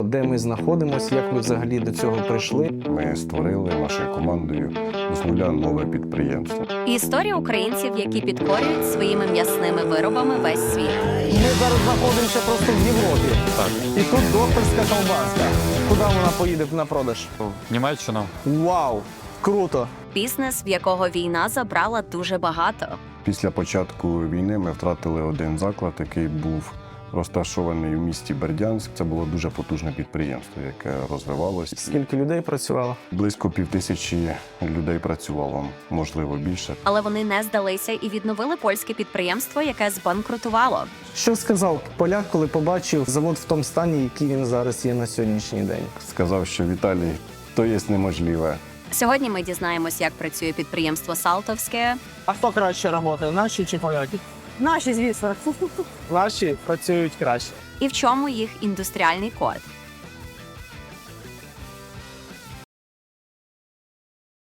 Де ми знаходимося, як ми взагалі до цього прийшли. Ми створили нашою командою з нуля нове підприємство. Історія українців, які підкорюють своїми м'ясними виробами весь світ. Ми зараз знаходимося просто в Європі. Так. І тут докторська ковбаска. Куди вона поїде на продаж? В Німеччину. Вау! Круто! Бізнес, в якого війна забрала дуже багато. Після початку війни ми втратили один заклад, який був розташований в місті Бердянськ. Це було дуже потужне підприємство, яке розвивалося. Скільки людей працювало? Близько 5000 людей працювало, можливо, більше. Але вони не здалися і відновили польське підприємство, яке збанкрутувало. Що сказав поляк, коли побачив завод в тому стані, який він зараз є на сьогоднішній день? Сказав, що Віталій, то є неможливе. Сьогодні ми дізнаємось, як працює підприємство «Салтовське», А хто краще працює, наші чи поляки? Наші, звісно. Наші працюють краще. і в чому їх індустріальний код.